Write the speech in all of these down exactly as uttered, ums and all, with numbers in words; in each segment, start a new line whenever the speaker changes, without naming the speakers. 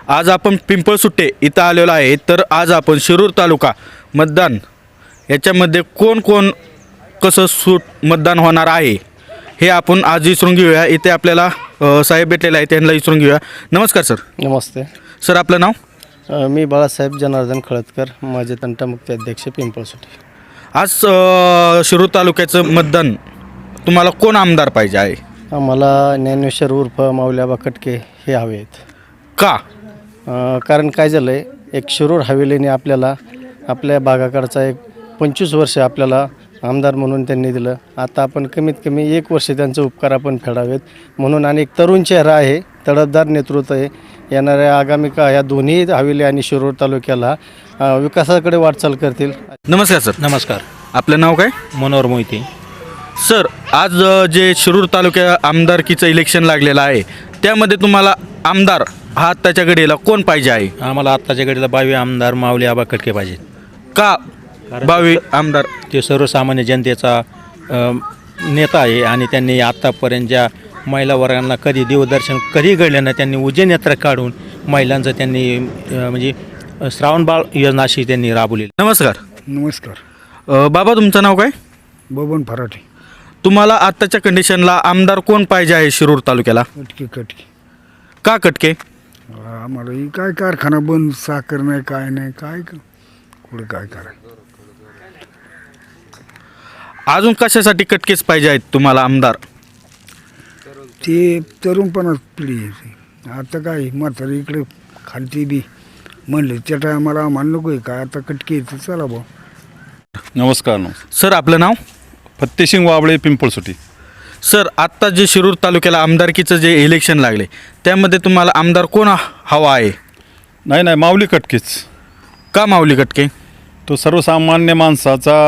आज आपण पिंपळसुट्टे इथं आलेलो आहे. तर आज आपण शिरूर तालुका मतदान याच्यामध्ये कोण कोण कसं सूट मतदान होणार आहे हे आपण आज विचारून घेऊया. इथे आपल्याला अ, साहेब भेटलेले आहेत, त्यांना विचारून घेऊया. नमस्कार सर.
नमस्ते.
सर आपलं नाव?
अ, मी बाळासाहेब जनार्दन खळदकर, माझे तंटामुक्ती अध्यक्ष पिंपळसुट्टी.
आज अ, शिरूर तालुक्याचं मतदान तुम्हाला कोण आमदार पाहिजे आहे?
आम्हाला ज्ञानेश्वर उर्फ माऊल्याबा कटके हे हवे आहेत.
का?
अ, कारण काय झालं आहे, एक शिरूर हवेलीने आपल्याला आपल्या भागाकडचा एक पंचवीस वर्ष आपल्याला आमदार म्हणून त्यांनी दिलं. आता आपण कमीत कमी एक वर्ष त्यांचे उपकार आपण फेडावेत म्हणून. आणि एक तरुण चेहरा आहे, तडफदार नेतृत्व आहे. येणाऱ्या आगामी का या दोन्ही हवेली आणि शिरूर तालुक्याला अ, विकासाकडे वाटचाल करतील.
नमस्कार सर.
नमस्कार.
आपलं नाव काय?
मनोहर मोहिते.
सर आज अ, जे शिरूर तालुक्या आमदारकीचं इलेक्शन लागलेलं आहे त्यामध्ये तुम्हाला आमदार हा आत्ताच्या घडीला कोण पाहिजे आहे?
आम्हाला आत्ताच्या घडीला बावी आमदार माऊली आबा कटके पाहिजेत.
का बावी आमदार?
ते सर्वसामान्य जनतेचा अ, नेता आहे आणि त्यांनी आत्तापर्यंत ज्या महिला वर्गांना कधी देवदर्शन कधी घडलं नाही, त्यांनी उज्जैन यात्रा काढून महिलांचं त्यांनी अ, म्हणजे श्रावणबाळ योजना अशी त्यांनी राबवली.
नमस्कार.
नमस्कार.
अ, बाबा तुमचं नाव काय?
बबन फराटे.
तुम्हाला आत्ताच्या कंडिशनला आमदार कोण पाहिजे आहे शिरूर तालुक्याला?
कटके कटके.
का कटके?
आम्हाला ही काय कारखाना बंद, साखर नाही, काय नाही, काय क- कुठं काय करायचं.
अजून कशासाठी कटकेच पाहिजे आहेत तुम्हाला आमदार?
ते तरुणपणात पिढी आहे. आता काय म्हातारी इकडे खालती बी म्हणले त्या टायमाला आम्हाला नको आहे काय, आता कटके येते, चला भाऊ.
नमस्कार. नमस्कार.
सर आपलं नाव?
फत्तेसिंग वाबळे, पिंपळसुटी.
सर आत्ता जे शिरूर तालुक्याला आमदारकीचं जे इलेक्शन लागले त्यामध्ये तुम्हाला आमदार कोण हवा आहे?
नाही नाही माऊली कटकेच.
का माऊली कटके?
तो सर्वसामान्य माणसाचा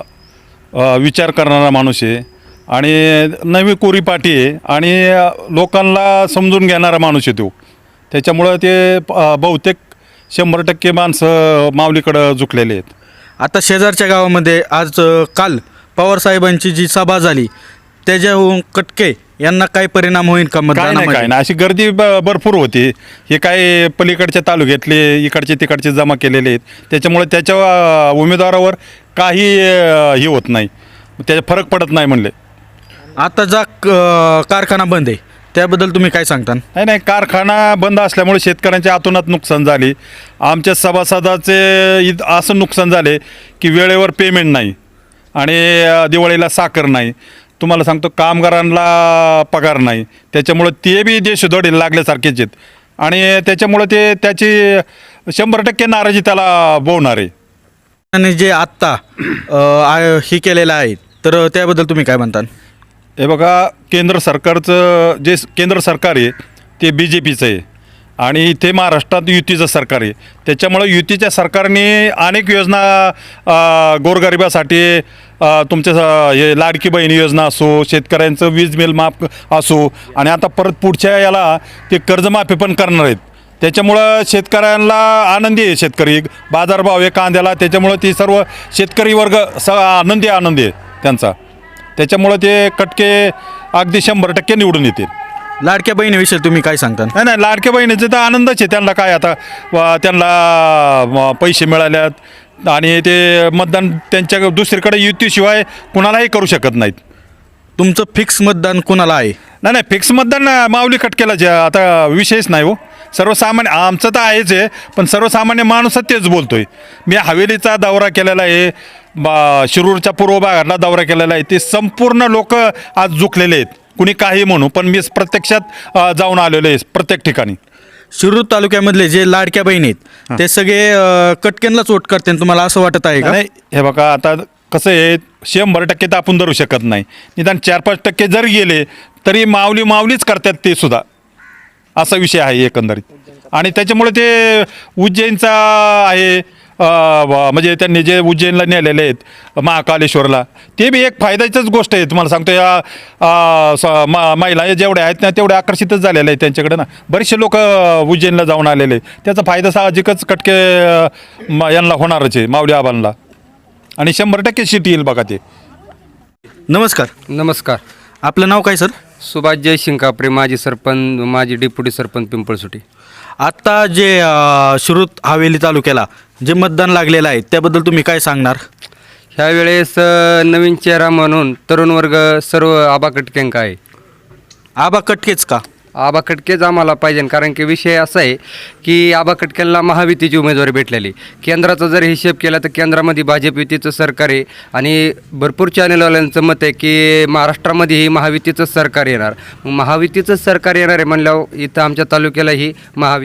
अ, विचार करणारा माणूस आहे आणि नवी कोरी पाटी आहे आणि अ, लोकांना समजून घेणारा माणूस आहे तो. त्याच्यामुळं ते अ, बहुतेक शंभर टक्के माणसं माऊलीकडं झुकलेले आहेत.
आता शेजारच्या गावामध्ये आज अ, काल पवारसाहेबांची जी सभा झाली त्याच्याहून कटके यांना काय परिणाम होईल का
काय नाही काय
मतदानामध्ये?
नाही अशी गर्दी ब भरपूर होती. हे काय पलीकडच्या तालुक्यातले इकडचे तिकडचे जमा केलेले आहेत, त्याच्यामुळे त्याच्या अ, उमेदवारावर काही अ, हे होत नाही, त्याचा फरक पडत नाही म्हणले.
आता जा क- कारखाना बंद आहे त्याबद्दल तुम्ही काय सांगता?
नाही नाही कारखाना बंद असल्यामुळे शेतकऱ्यांच्या आतोनात नुकसान झाले. आमच्या सभासदाचे इत- असं नुकसान झाले की वेळेवर पेमेंट नाही आणि अ, दिवाळीला साखर नाही. तुम्हाला सांगतो कामगारांना पगार नाही, त्याच्यामुळं ते बी देशदोडीला लागल्यासारखेच आहेत आणि त्याच्यामुळं ते त्याची शंभर टक्के नाराजी त्याला बोवणार आहे.
आणि जे आत्ता अ, आ- हे केलेलं आहे तर त्याबद्दल तुम्ही काय म्हणता?
हे बघा, केंद्र सरकारचं जे स- केंद्र सरकार आहे ते बी जे पीचं आहे आणि इथे महाराष्ट्रात युतीचं सरकार आहे. त्याच्यामुळं युतीच्या सरकारने अनेक योजना अ, गोरगरिबासाठी अ, तुमच्या स- हे लाडकी बहिणी योजना असो, शेतकऱ्यांचं वीज बिल माफ असो आणि आता परत पुढच्या याला ते कर्जमाफी पण करणार आहेत. त्याच्यामुळं शेतकऱ्यांना आनंदी आहे. शेतकरी बाजारभाव आहे कांद्याला, त्याच्यामुळं ते सर्व शेतकरी वर्ग स आनंदी आनंदी आहे त्यांचा. त्याच्यामुळं ते कटके अगदी शंभर टक्के निवडून येतील.
लाडक्या बहिणीविषयी तुम्ही काय सांगता?
नाही नाही लाडक्या बहिणीचे तर आनंदच आहे. त्यांना काय आता व त्यांना म, पैसे मिळाल्यात आणि ते मतदान त्यांच्या दुसरीकडे युतीशिवाय कुणालाही करू शकत नाहीत.
तुमचं फिक्स मतदान कोणाला आहे?
नाही नाही फिक्स मतदान माऊली कटकेला जे आता विषयच नाही हो. सर्वसामान्य आमचं तर आहेच आहे, पण सर्वसामान्य माणूस तेच बोलतोय. मी हवेलीचा दौरा केलेला आहे, बा शिरूरच्या पूर्व भागातला दौरा केलेला आहे. ते संपूर्ण लोक आज झुकलेले आहेत, कुणी काही म्हणू, पण मी प्रत्यक्षात अ, जाऊन आलेलो आहे प्रत्येक ठिकाणी.
शिरूर तालुक्यामधले जे लाडक्या बहिणी आहेत ते सगळे अ, कटकेंनाच वोट करते तुम्हाला असं वाटत आहे का?
नाही हे बघा, आता कसं आहे, शंभर टक्के तर आपण धरू शकत नाही. निदान चार पाच टक्के जर गेले तरी माऊली माऊलीच करतात ते सुद्धा, असा विषय आहे एकंदरीत. आणि त्याच्यामुळे ते उज्जैनचा आहे अ, व- म्हणजे त्यांनी जे उज्जैनला नेलेले आहेत महाकालेश्वरला, ते बी एक फायद्याचीच गोष्ट आहे. तुम्हाला सांगतो या अ, स- म- महिला जेवढ्या आहेत ना तेवढ्या आकर्षितच झालेल्या आहेत त्यांच्याकडे ना. बरेचसे लोक उज्जैनला जाऊन आलेले आहेत. त्याचा फायदा साहजिकच कटके अ, म- यांना होणारच आहे, माऊली आबांना. आणि शंभर टक्के सीट येईल बघा ते.
नमस्कार.
नमस्कार.
आपलं नाव काय सर?
सुभाष जयसिंग कापरे, माजी सरपंच, माजी डेप्युटी सरपंच पिंपळसुटी.
आत्ता जे अ, शिरूर हवेली तालुक्याला जे मतदान लागलेलं आहे त्याबद्दल तुम्ही काय सांगणार?
ह्यावेळेस अ, नवीन चेहरा म्हणून तरुण वर्ग सर्व आबा कटकेंक आहे.
आबा कटकेच का?
आबा कटकेच आम्हाला पाहिजे, कारण की विषय असा आहे की आबा कटकेंना महायुतीची उमेदवारी भेटलेली. केंद्राचा जर हिशेब केला तर केंद्रामध्ये भाजप युतीचं सरकार आहे आणि भरपूर चॅनलवाल्यांचं मत आहे की महाराष्ट्रामध्येही महायुतीचं सरकार येणार. मग महायुतीचं सरकार येणार आहे म्हणल्यावर इथं आमच्या तालुक्यालाही महावि